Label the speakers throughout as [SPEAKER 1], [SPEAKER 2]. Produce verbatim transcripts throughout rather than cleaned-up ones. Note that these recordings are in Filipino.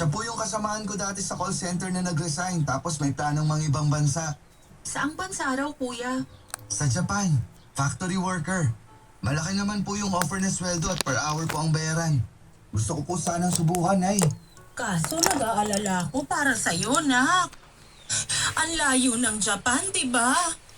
[SPEAKER 1] Siya po yung kasamahan ko dati sa call center na nag-resign tapos may planong mga ibang bansa.
[SPEAKER 2] Saang bansa raw, kuya?
[SPEAKER 1] Sa Japan, factory worker. Malaki naman po yung offer na sweldo at per hour po ang bayaran. Gusto ko po sanang subukan, ay.
[SPEAKER 3] Kaso nag-aalala ko para sa'yo, nak. Ang layo ng Japan, di ba?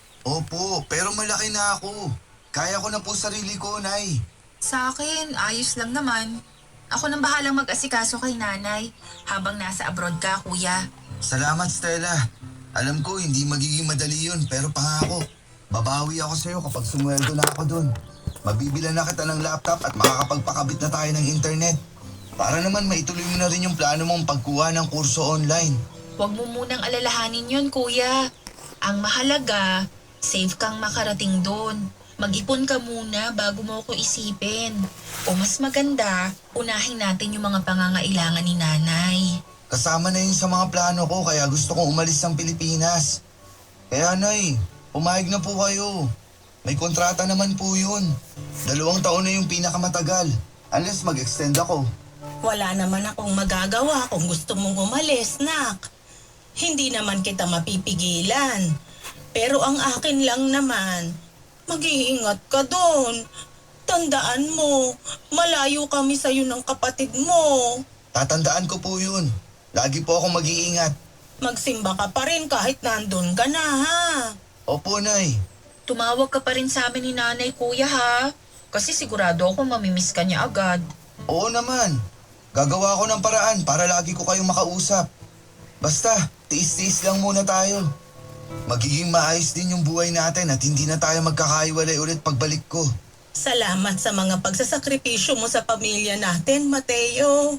[SPEAKER 1] Opo, pero malaki na ako. Kaya ko na po sarili ko, Nay.
[SPEAKER 2] Sa akin, ayos lang naman. Ako nang bahalang mag-asikaso kay nanay habang nasa abroad ka, kuya.
[SPEAKER 1] Salamat, Stella. Alam ko hindi magiging madali yun, pero pangako. Babawi ako sa'yo kapag sumweldo na ako dun. Mabibilan na kita ng laptop at makakapagpakabit na tayo ng internet. Para naman maituloy mo na rin yung plano mong pagkuha ng kurso online.
[SPEAKER 2] Huwag mo munang alalahanin yun, kuya. Ang mahalaga, safe kang makarating doon. Mag-ipon ka muna bago mo ko isipin. O mas maganda, unahin natin yung mga pangangailangan ni nanay.
[SPEAKER 1] Kasama na yun sa mga plano ko kaya gusto kong umalis ng Pilipinas. Kaya, Nay, pumayag na po kayo. May kontrata naman po yun. Dalawang taon na yung pinakamatagal. Unless mag-extend ako.
[SPEAKER 3] Wala naman akong magagawa kung gusto mong umalis, nak. Hindi naman kita mapipigilan. Pero ang akin lang naman, mag-iingat ka doon. Tandaan mo, malayo kami sa'yo ng kapatid mo.
[SPEAKER 1] Tatandaan ko po yun. Lagi po akong mag-iingat.
[SPEAKER 3] Magsimba ka pa rin kahit nandun ka na, ha?
[SPEAKER 1] Opo, Nay.
[SPEAKER 2] Tumawag ka pa rin sa amin ni nanay, kuya, ha? Kasi sigurado ako mamimiss ka niya agad.
[SPEAKER 1] Oo naman. Gagawa ko ng paraan para lagi ko kayong makausap. Basta, tiis-tiis lang muna tayo. Magiging maayos din yung buhay natin at hindi na tayo magkakaiwalay ulit pagbalik ko.
[SPEAKER 3] Salamat sa mga pagsasakripisyo mo sa pamilya natin, Mateo.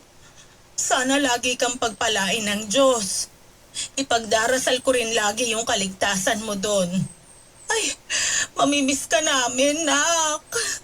[SPEAKER 3] Sana lagi kang pagpalain ng Diyos. Ipagdarasal ko rin lagi yung kaligtasan mo doon. Ay, mamimiss ka namin, nak.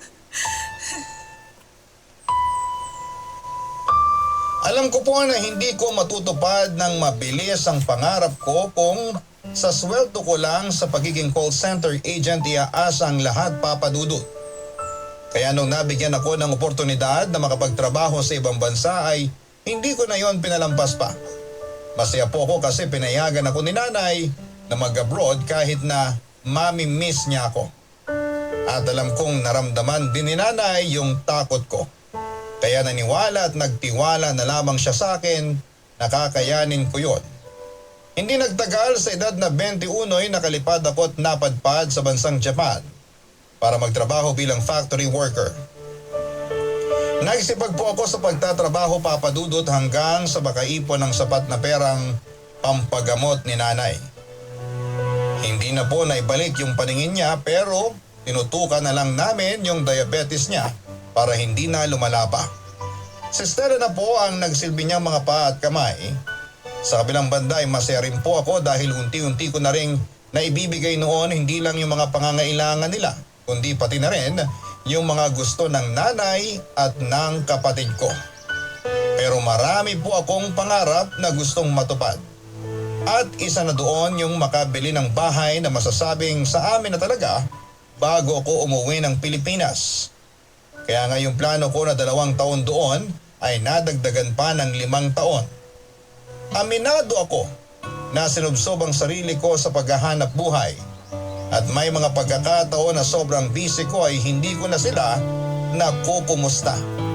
[SPEAKER 4] Alam ko po na hindi ko matutupad ng mabilis ang pangarap ko kung sa sweldo ko lang sa pagiging call center agent iaasa ang lahat, Papa Dudut. Kaya nung nabigyan ako ng oportunidad na makapagtrabaho sa ibang bansa ay hindi ko na yon pinalampas pa. Masaya po ako kasi pinayagan ako ni nanay na mag-abroad kahit na mami-miss niya ako. At alam kong naramdaman din ni nanay yung takot ko. Kaya naniwala at nagtiwala na lamang siya sa akin, nakakayanin ko yon. Hindi nagtagal sa edad na twenty-one ay nakalipad ako at napadpad sa bansang Japan para magtrabaho bilang factory worker. Nagsipag po ako sa pagtatrabaho, Papa Dudut, hanggang sa makaipon ng sapat na perang pampagamot ni nanay. Hindi na po naibalik yung paningin niya pero tinutukan na lang namin yung diabetes niya para hindi na lumala pa. Si Stella na po ang nagsilbi niyang mga paa at kamay. Sa kabilang banda ay masaya rin po ako dahil unti-unti ko na rin naibibigay noon hindi lang yung mga pangangailangan nila, kundi pati na rin yung mga gusto ng nanay at ng kapatid ko. Pero marami po akong pangarap na gustong matupad. At isa na doon yung makabili ng bahay na masasabing sa amin na talaga bago ako umuwi ng Pilipinas. Kaya nga yung plano ko na dalawang taon doon ay nadagdagan pa ng limang taon. Aminado ako na sinubsob ang sarili ko sa paghahanap buhay. At may mga pagkakataon na sobrang busy ko ay hindi ko na sila nakukumusta.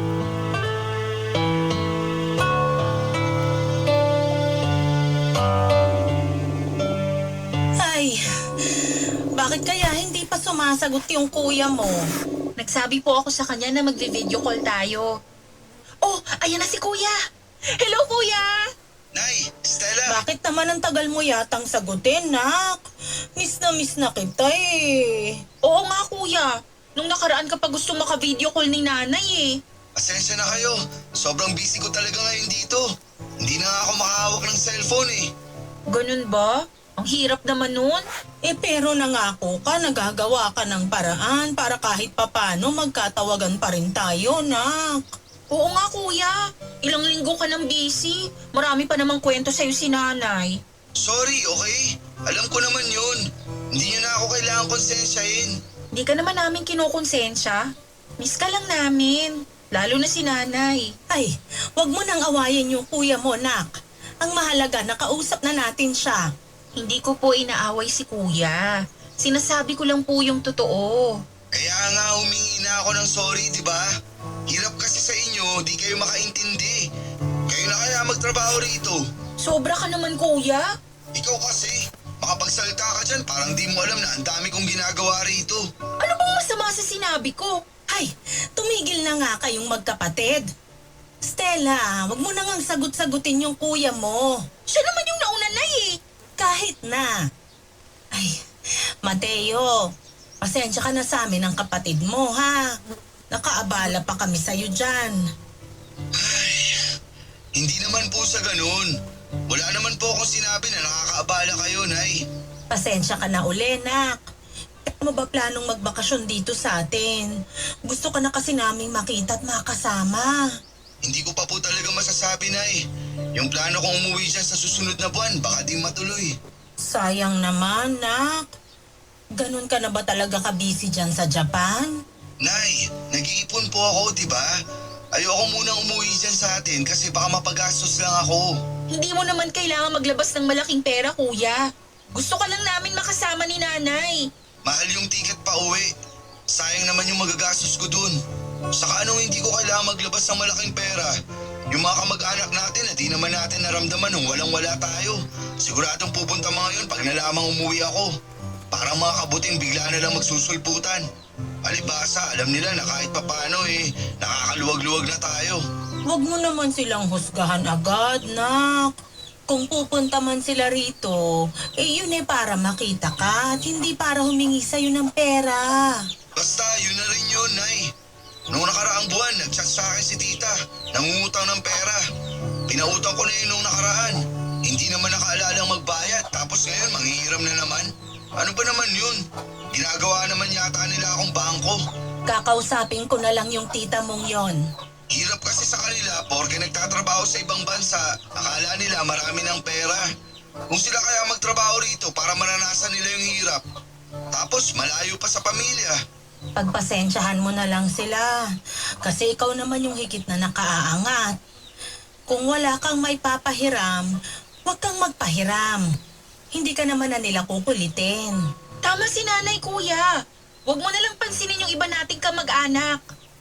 [SPEAKER 3] Ay, bakit kaya hindi pa sumasagot yung kuya mo?
[SPEAKER 2] Nagsabi po ako sa kanya na magvi-video call tayo. Oh, ayan na si kuya! Hello, kuya!
[SPEAKER 1] Nay, Stella!
[SPEAKER 3] Bakit naman ang tagal mo yatang sagutin, nak? Miss na miss na kita eh.
[SPEAKER 2] Oo nga, kuya. Nung nakaraan ka pa gusto maka-video call ni nanay eh.
[SPEAKER 1] Pasensya na kayo. Sobrang busy ko talaga ngayon dito. Hindi na nga ako makahawak ng cellphone eh.
[SPEAKER 2] Ganun ba? Ang hirap naman nun.
[SPEAKER 3] Eh pero nangako ka, nagagawa ka ng paraan para kahit papano magkatawagan pa rin tayo, nak.
[SPEAKER 2] Oo nga, kuya. Ilang linggo ka nang busy. Marami pa namang kwento sa'yo si nanay.
[SPEAKER 1] Sorry, okay? Alam ko naman yun. Hindi nyo na ako kailangan konsensyahin.
[SPEAKER 2] Di ka naman namin kinukonsensya. Miss ka lang namin. Lalo na si nanay.
[SPEAKER 3] Ay, wag mo nang awayin yung kuya mo, nak. Ang mahalaga, nakausap na natin siya.
[SPEAKER 2] Hindi ko po inaaway si kuya. Sinasabi ko lang po yung totoo.
[SPEAKER 1] Kaya nga humingi na ako ng sorry, di ba? Hirap kasi sa inyo, di kayo makaintindi. Kayo na kaya magtrabaho rito.
[SPEAKER 2] Sobra ka naman kuya.
[SPEAKER 1] Ikaw kasi, makapagsalita ka dyan, parang di mo alam na ang dami kong ginagawa rito.
[SPEAKER 2] Ano bang masama sa sinabi ko?
[SPEAKER 3] Ay, tumigil na nga kayong magkapatid. Stella, wag mo na ngang sagot-sagutin yung kuya mo.
[SPEAKER 2] Siya naman yung nauna na eh.
[SPEAKER 3] Kahit na. Ay, Mateo, pasensya ka na sa amin ng kapatid mo, ha? Nakaabala pa kami sa'yo dyan.
[SPEAKER 1] Hindi naman po sa ganun. Wala naman po akong sinabi na nakakaabala kayo, Nay.
[SPEAKER 3] Pasensya ka na uli, nak. Ano ba planong magbakasyon dito sa atin? Gusto ka na kasi naming makita at makasama.
[SPEAKER 1] Hindi ko pa po talaga masasabi, Nay. Yung plano kong umuwi dyan sa susunod na buwan, baka di matuloy.
[SPEAKER 3] Sayang naman, nak. Ganun ka na ba talaga ka-busy dyan sa Japan?
[SPEAKER 1] Nay, nag-iipon po ako, di ba? Ayoko munang umuwi dyan sa atin kasi baka mapagastos lang ako.
[SPEAKER 2] Hindi mo naman kailangan maglabas ng malaking pera kuya. Gusto ka lang namin makasama ni nanay.
[SPEAKER 1] Mahal yung ticket pa uwi. Sayang naman yung magagastos ko dun. Saka anong hindi ko kailangan maglabas ng malaking pera? Yung mga kamag-anak natin na di naman natin naramdaman nung walang-wala tayo. Siguradong pupunta mga yun pag nalamang umuwi ako. Parang mga kabuting bigla na lang magsusulputan. Alibasa, alam nila na kahit papano eh, nakakaluwag-luwag na tayo.
[SPEAKER 3] Huwag mo naman silang husgahan agad, nak. Kung pupunta man sila rito, eh yun eh para makita ka at hindi para humingi sa'yo ng pera.
[SPEAKER 1] Basta, yun na rin yun, Nay. Noong nakaraang buwan, nag-chat sa akin si tita. Nangungutang ng pera. Pinautang ko na yun nung nakaraan. Hindi naman nakaalalang magbayad, tapos ngayon manghihiram na naman. Ano ba naman yun? Ginagawa naman yata nila akong bangko.
[SPEAKER 3] Kakausapin ko na lang yung tita mong yon.
[SPEAKER 1] Hirap kasi sa kanila porke nagtatrabaho sa ibang bansa, akala nila marami ng pera. Kung sila kaya magtrabaho rito para maranasan nila yung hirap. Tapos malayo pa sa pamilya.
[SPEAKER 3] Pagpasensyahan mo na lang sila. Kasi ikaw naman yung higit na nakaaangat. Kung wala kang may papahiram, huwag kang magpahiram. Hindi ka naman na nila kukulitin.
[SPEAKER 2] Tama si nanay kuya. Huwag mo nalang pansinin yung iba nating kamag-anak.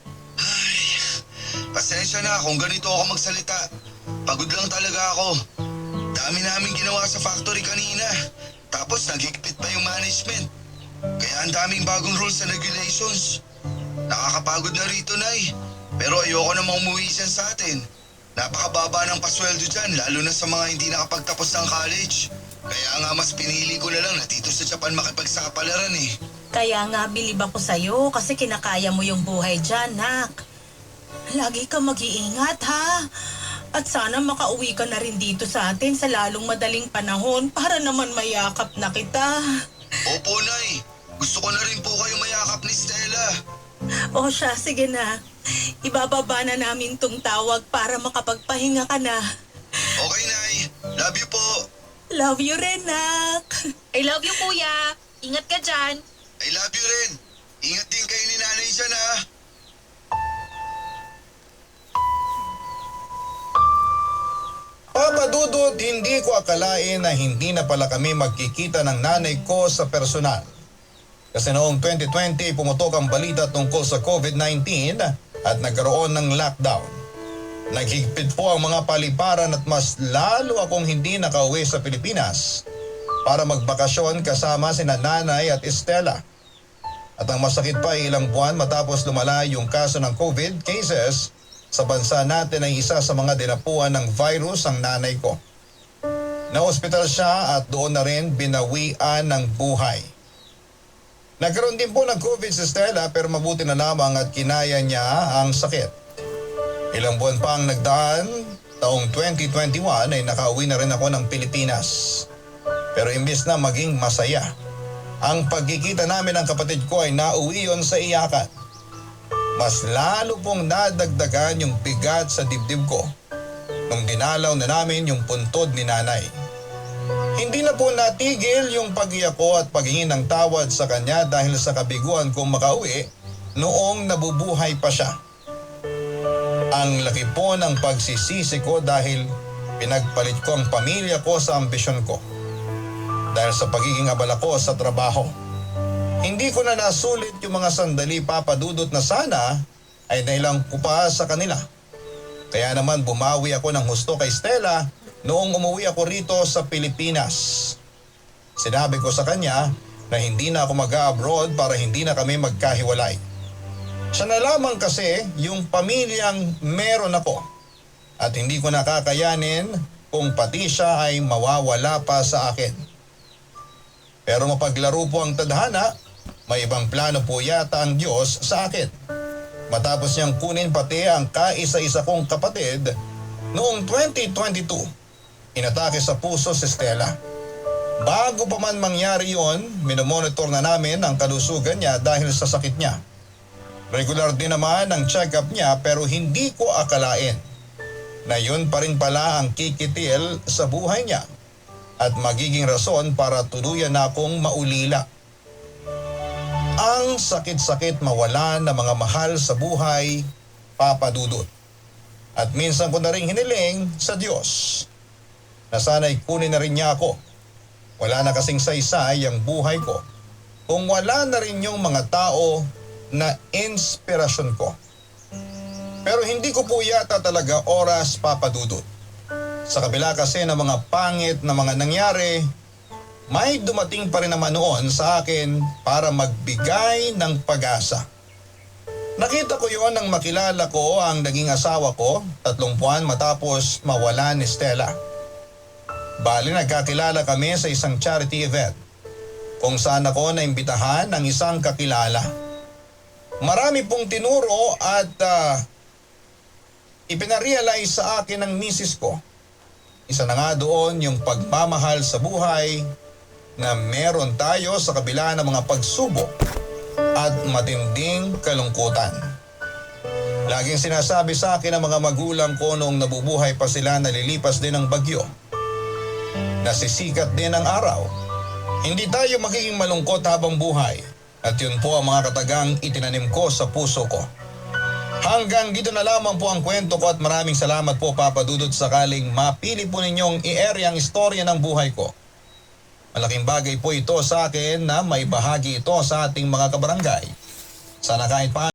[SPEAKER 1] Ay, pasensya na kung ganito ako magsalita. Pagod lang talaga ako. Dami namin ginawa sa factory kanina. Tapos nagigpit pa yung management. Kaya ang daming bagong rules and regulations. Nakakapagod na rito, Nay. Pero ayoko namang umuwi dyan sa atin. Napakababa ng pasweldo dyan, lalo na sa mga hindi nakapagtapos ng college. Kaya nga mas pinili ko na lang na dito sa Japan makipagsapalaran eh.
[SPEAKER 3] Kaya nga bilib ako sa'yo kasi kinakaya mo yung buhay dyan, nak. Lagi ka mag-iingat, ha? At sana makauwi ka na rin dito sa atin sa lalong madaling panahon para naman mayakap na kita.
[SPEAKER 1] Opo, Nay. Gusto ko na rin po kayo mayakap ni Stella.
[SPEAKER 3] O siya, sige na. Ibababa na namin tong tawag para makapagpahinga ka na.
[SPEAKER 1] Okay, Nay. Love you po.
[SPEAKER 3] Love you rin, nak.
[SPEAKER 2] I love you kuya. Ingat ka dyan.
[SPEAKER 1] I love you rin. Ingat din kayo ni Nanay dyan, ha?
[SPEAKER 4] Papa Dudut, hindi ko akalain na hindi na pala kami magkikita ng nanay ko sa personal. Kasi noong twenty twenty pumutok ang balita tungkol sa COVID nineteen at nagkaroon ng lockdown. Naghigpit po ang mga paliparan at mas lalo akong hindi nakauwi sa Pilipinas para magbakasyon kasama sina Nanay at Estela. At ang masakit pa ay ilang buwan matapos lumala yung kaso ng COVID cases sa bansa natin ay isa sa mga dinapuan ng virus ang nanay ko. Na-hospital siya at doon na rin binawian ng buhay. Nagkaroon din po ng COVID si Stella pero mabuti na lamang at kinaya niya ang sakit. Ilang buwan pa ang nagdaan, taong twenty twenty-one ay nakauwi na rin ako ng Pilipinas. Pero imbis na maging masaya, ang pagkikita namin ng kapatid ko ay nauwi yon sa iyakan. Mas lalo pong nadagdagan yung bigat sa dibdib ko nung dinalaw na namin yung puntod ni Nanay. Hindi na po natigil yung pag-iyak ko at paghingi ng tawad sa kanya dahil sa kabiguan kong makauwi noong nabubuhay pa siya. Ang laki po ng pagsisisi ko dahil pinagpalit ko ang pamilya ko sa ambisyon ko. Dahil sa pagiging abala ko sa trabaho. Hindi ko na nasulit yung mga sandali, Papa Dudut, na sana ay nailang ko pa sa kanila. Kaya naman bumawi ako ng husto kay Stella noong umuwi ako rito sa Pilipinas. Sinabi ko sa kanya na hindi na ako mag-abroad para hindi na kami magkahiwalay. Siya na lamang kasi yung pamilyang meron ako at hindi ko nakakayanin kung pati siya ay mawawala pa sa akin. Pero mapaglaro po ang tadhana, may ibang plano po yata ang Diyos sa akin. Matapos niyang kunin pati ang kaisa-isa kong kapatid, noong twenty twenty-two, inatake sa puso si Stella. Bago pa man mangyari yon, minomonitor na namin ang kalusugan niya dahil sa sakit niya. Regular din naman ang check-up niya pero hindi ko akalain na yun pa rin pala ang kikitil sa buhay niya at magiging rason para tuluyan na akong maulila. Ang sakit-sakit mawalan ng mga mahal sa buhay, Papa Dudut. At minsan ko na rin hiniling sa Diyos na sana'y kunin na rin niya ako. Wala na kasing saysay ang buhay ko kung wala na rin yung mga tao na inspirasyon ko. Pero hindi ko po yata talaga oras, Papa Dudut. Sa kabila kasi ng mga pangit na mga nangyari, may dumating pa rin naman noon sa akin para magbigay ng pag-asa. Nakita ko yon nang makilala ko ang naging asawa ko tatlong buwan matapos mawala ni Stella. Bali nagkakilala kami sa isang charity event kung saan ako naimbitahan ng isang kakilala. Marami pong tinuro at uh, ipinarealize sa akin ng misis ko. Isa na nga doon yung pagmamahal sa buhay na meron tayo sa kabila ng mga pagsubok at matinding kalungkutan. Laging sinasabi sa akin ng mga magulang ko noong nabubuhay pa sila na lilipas din ng bagyo. Nasisikat din ang araw. Hindi tayo magiging malungkot habang buhay at yun po ang mga katagang itinanim ko sa puso ko. Hanggang dito na lamang po ang kwento ko at maraming salamat po, Papa Dudut, sakaling mapili po ninyong i-area ang istorya ng buhay ko. Malaking bagay po ito sa akin na may bahagi ito sa ating mga kabarangay. Sana kahit pa